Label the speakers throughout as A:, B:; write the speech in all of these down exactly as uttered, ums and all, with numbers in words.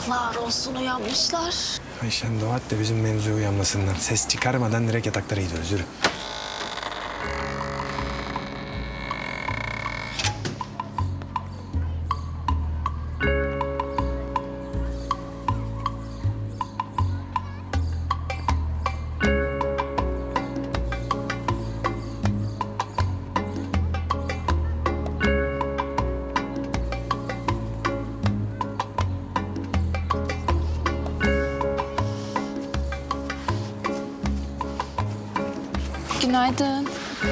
A: Yazıklar olsun uyanmışlar.
B: Ayşen dua et de bizim mevzuya uyanmasınlar. Ses çıkarmadan direkt yataklara gidiyoruz. Yürü.
A: Günaydın.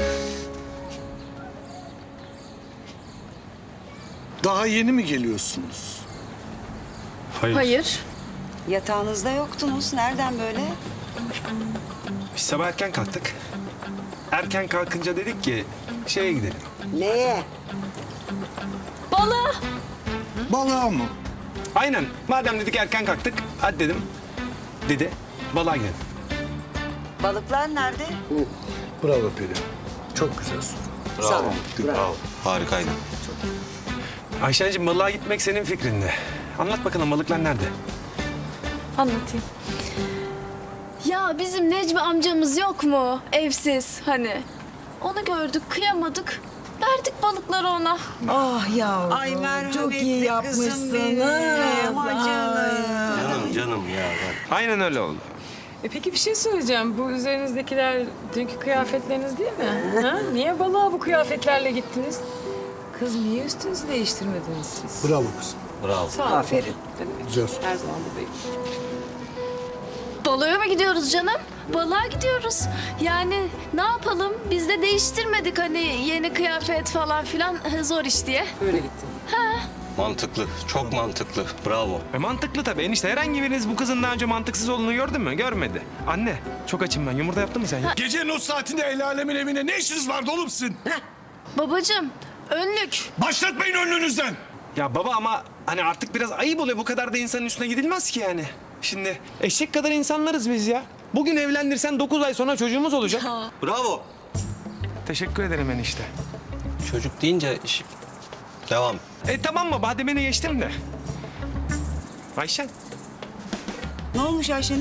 C: Daha yeni mi geliyorsunuz?
B: Hayır.
A: Hayır.
D: Yatağınızda yoktunuz. Nereden böyle?
B: Biz sabah erken kalktık. Erken kalkınca dedik ki şeye gidelim.
D: Neye?
A: Balığa.
C: Balığa mı?
B: Aynen. Madem dedik erken kalktık. Hadi dedim. Dedi. Balığa gidelim.
D: Balıklar nerede?
C: Bravo Peri. Çok güzel soru.
D: Sağ ol.
E: Bravo. Harikaydı.
B: Ayşen'cim balığa gitmek senin fikrinde. Anlat bakalım balıklar nerede?
A: Anlatayım. Ya bizim Necmi amcamız yok mu? Evsiz hani. Onu gördük, kıyamadık. Verdik balıkları ona.
F: Ah yavrum,
D: Ay merhametli
F: çok iyi
D: kızım
F: yapmışsınız.
D: benim, ay canım.
E: Canım canım ya.
B: Aynen öyle oldu.
G: E peki bir şey söyleyeceğim. Bu üzerinizdekiler dünkü kıyafetleriniz değil mi? Ha? Niye balığa bu kıyafetlerle gittiniz? Kız niye üstünüzü değiştirmediniz siz?
C: Bravo kızım.
E: Bravo.
G: Sağ olun.
D: Aferin.
C: Güzel soru.
G: Her zaman buradayım.
A: Balığa mı gidiyoruz canım? Balığa gidiyoruz. Yani ne yapalım? Biz de değiştirmedik hani yeni kıyafet falan filan zor iş diye.
G: Böyle gittim.
E: Mantıklı. Çok mantıklı. Bravo.
B: E mantıklı tabii. Enişte herhangi biriniz bu kızın daha önce mantıksız olduğunu gördü mü? Görmedi. Anne çok açım ben. Yumurta yaptın mı sen ya?
C: Gecenin o saatinde el alemin evine ne işiniz vardı oğlum sizin?
A: Babacığım, önlük.
C: Başlatmayın önünüzden.
B: Ya baba ama hani artık biraz ayıp oluyor. Bu kadar da insanın üstüne gidilmez ki yani. Şimdi eşek kadar insanlarız biz ya. Bugün evlendirsen dokuz ay sonra çocuğumuz olacak.
E: Bravo.
B: Teşekkür ederim enişte.
E: Çocuk deyince iş... Devam.
B: E tamam mı? Bademeni geçtim de. Ayşen.
D: Ne olmuş Ayşen'e?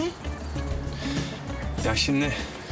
B: Ya şimdi...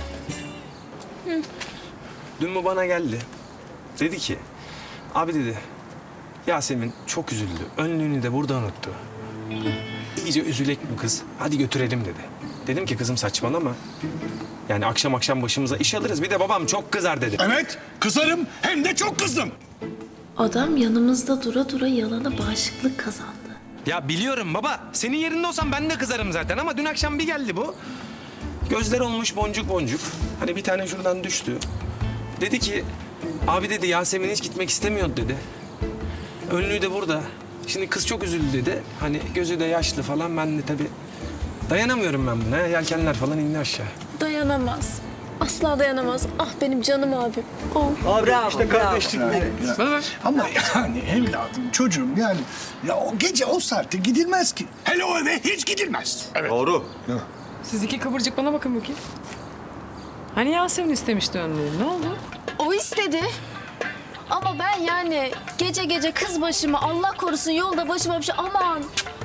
B: Dün bu bana geldi. Dedi ki... Abi dedi... Yasemin çok üzüldü. Önlüğünü de burada unuttu. İyice üzülek bu kız. Hadi götürelim dedi. Dedim ki kızım saçmalama. Yani akşam akşam başımıza iş alırız. Bir de babam çok kızar dedi.
C: Evet, kızarım hem de çok kızdım.
H: Adam yanımızda dura dura yalana bağışıklık kazandı.
B: Ya biliyorum baba. Senin yerinde olsam ben de kızarım zaten ama dün akşam bir geldi bu. Gözler olmuş boncuk boncuk. Hani bir tane şuradan düştü. Dedi ki abi dedi Yasemin hiç gitmek istemiyordu dedi. Önlüğü de burada. Şimdi kız çok üzüldü dedi. Hani gözü de yaşlı falan. Ben de tabii dayanamıyorum ben buna. Yelkenler falan indi aşağı.
A: Dayanamaz. Asla dayanamaz. Ah benim canım abim. Oh.
D: Bravo, işte bravo.
C: Ama yani evladım, çocuğum yani... Ya o gece o saatte gidilmez ki. Hele o eve hiç gidilmez. Evet.
E: Doğru.
G: Siz iki kıvırcık bana bakın bakayım. Hani Yasemin istemişti önlüğü. Ne oldu?
A: O istedi. Ama ben yani gece gece kız başıma Allah korusun yolda başıma bir şey aman.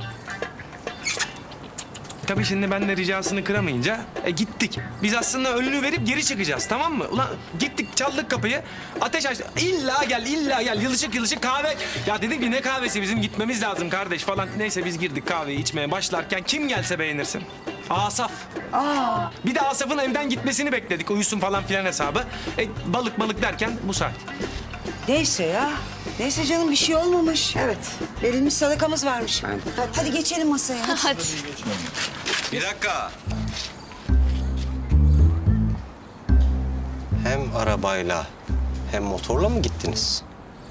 B: Tabii şimdi ben de ricasını kıramayınca e, gittik. Biz aslında önlüğü verip geri çıkacağız tamam mı? Ulan gittik çaldık kapıyı. Ateş açtı. İlla gel illa gel yılışık yılışık kahve. Ya dedik ki ne kahvesi bizim gitmemiz lazım kardeş falan. Neyse biz girdik kahveyi içmeye başlarken kim gelse beğenirsin. Asaf. Aa. Bir de Asaf'ın evden gitmesini bekledik. Uyusun falan filan hesabı. E, balık balık derken bu saat.
D: Neyse ya. Neyse canım bir şey olmamış. Evet. Verilmiş sadakamız varmış. Hadi, hadi geçelim masaya. Hadi.
A: Hadi.
E: Bir dakika. Hem arabayla hem motorla mı gittiniz?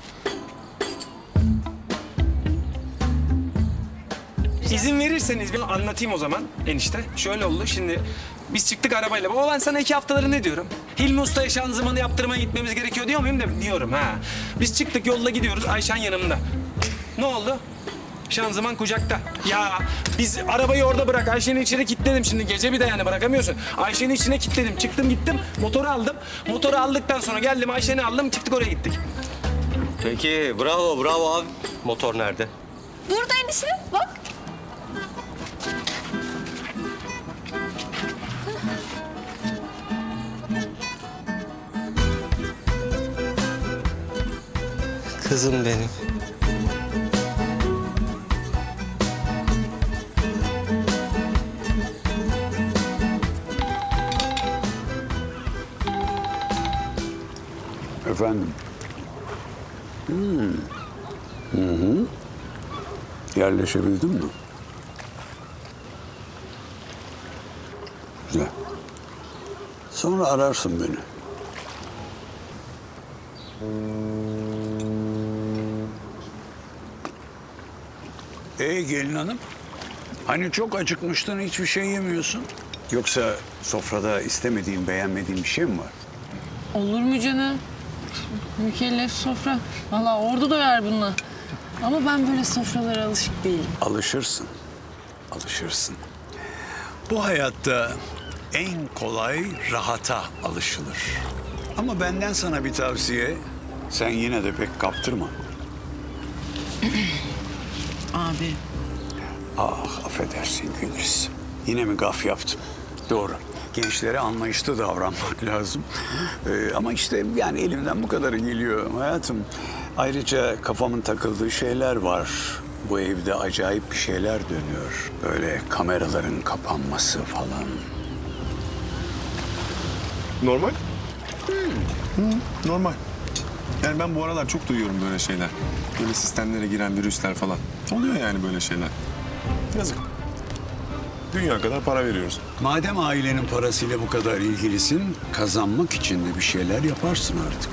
B: İzin verirseniz bir anlatayım o zaman enişte. Şöyle oldu şimdi biz çıktık arabayla. Baba ben sana iki haftaları ne diyorum? Hilmi Usta'ya şanzımanı yaptırmaya gitmemiz gerekiyor diyor muyum? De, diyorum ha. Biz çıktık yolda gidiyoruz Ayşen yanımda. Ne oldu? Şanzıman kucakta. Ya biz arabayı orada bırak. Ayşe'nin içine kilitledim şimdi. Gece bir de yani bırakamıyorsun. Ayşe'nin içine kilitledim. Çıktım gittim. Motoru aldım. Motoru aldıktan sonra geldim Ayşe'ni aldım. Çıktık oraya gittik.
E: Peki bravo bravo abi. Motor nerede?
A: Burada enişte bak.
E: Kızım benim.
F: Efendim? Hmm. Hı hı. Yerleşebildin mi? Güzel. Sonra ararsın beni. Ee gelin hanım? Hani çok acıkmıştın, hiçbir şey yemiyorsun? Yoksa sofrada istemediğin, beğenmediğin bir şey mi var?
G: Olur mu canım? Mükellef sofra. Vallahi ordu doyar bununla. Ama ben böyle sofralara alışık değilim.
F: Alışırsın. Alışırsın. Bu hayatta en kolay rahata alışılır. Ama benden sana bir tavsiye. Sen yine de pek kaptırma.
G: Abi.
F: Ah affedersin Gülriz. Yine mi gaf yaptım? Doğru. Gençlere anlayışlı davranmak lazım. Ee, ama işte yani elimden bu kadarı geliyor hayatım. Ayrıca kafamın takıldığı şeyler var. Bu evde acayip bir şeyler dönüyor. Böyle kameraların kapanması falan.
I: Normal. Hı, normal. Yani ben bu aralar çok duyuyorum böyle şeyler. Böyle sistemlere giren virüsler falan. Oluyor yani böyle şeyler. Yazık. Dünya kadar para veriyoruz.
F: Madem ailenin parasıyla bu kadar ilgilisin, kazanmak için de bir şeyler yaparsın artık.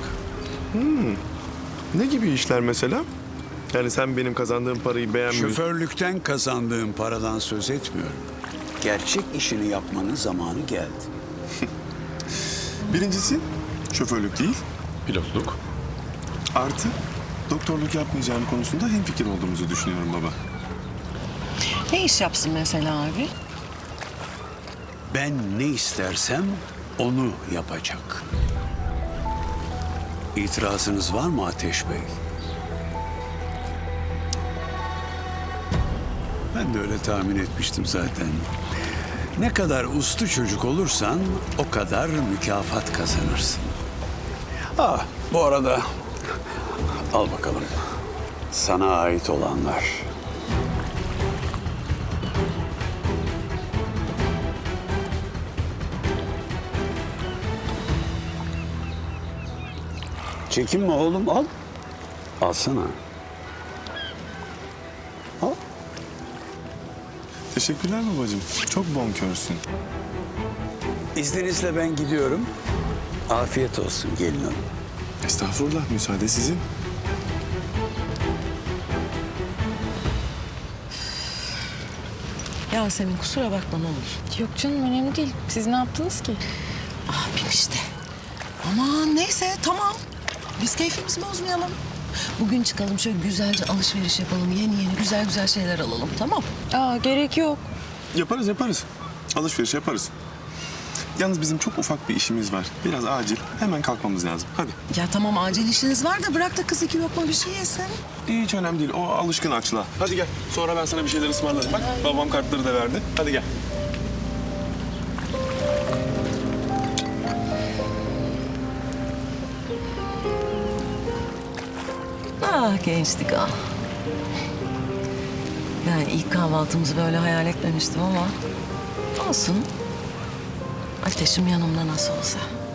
I: Ne gibi işler mesela? Yani sen benim kazandığım parayı beğenmiyorsun.
F: Şoförlükten kazandığın paradan söz etmiyorum. Gerçek işini yapmanın zamanı geldi.
I: Birincisi şoförlük değil, pilotluk. Artı doktorluk yapmayacağım konusunda hemfikir olduğumuzu düşünüyorum baba.
J: Ne iş yapsın mesela abi?
F: Ben ne istersem onu yapacak. İtirazınız var mı Ateş Bey? Ben de öyle tahmin etmiştim zaten. Ne kadar uslu çocuk olursan o kadar mükafat kazanırsın. Ah, bu arada al bakalım. Sana ait olanlar. Çekinme oğlum, al. Alsana. Al.
I: Teşekkürler babacığım. Çok bonkörsün.
F: İzninizle ben gidiyorum. Afiyet olsun gelin hanım.
I: Estağfurullah, müsaade sizin.
J: Yasemin kusura bakma ne olur.
G: Yok canım önemli değil. Siz ne yaptınız ki?
J: Abim işte. Aman neyse tamam. Biz keyfimizi bozmayalım. Bugün çıkalım şöyle güzelce alışveriş yapalım. Yeni yeni güzel güzel şeyler alalım tamam.
G: Aa gerek yok.
I: Yaparız yaparız. Alışveriş yaparız. Yalnız bizim çok ufak bir işimiz var. Biraz acil. Hemen kalkmamız lazım. Hadi.
J: Ya tamam acil işiniz var da bırak da kız iki lokma bir şey yesin.
I: Hiç önemli değil. O alışkın açlığa. Hadi gel. Sonra ben sana bir şeyler ısmarlarım. Bak babam kartları da verdi. Hadi gel.
J: Ah gençlik ah. Yani ilk kahvaltımızı böyle hayal etmemiştim ama olsun. Ateşim yanımda nasıl olsa.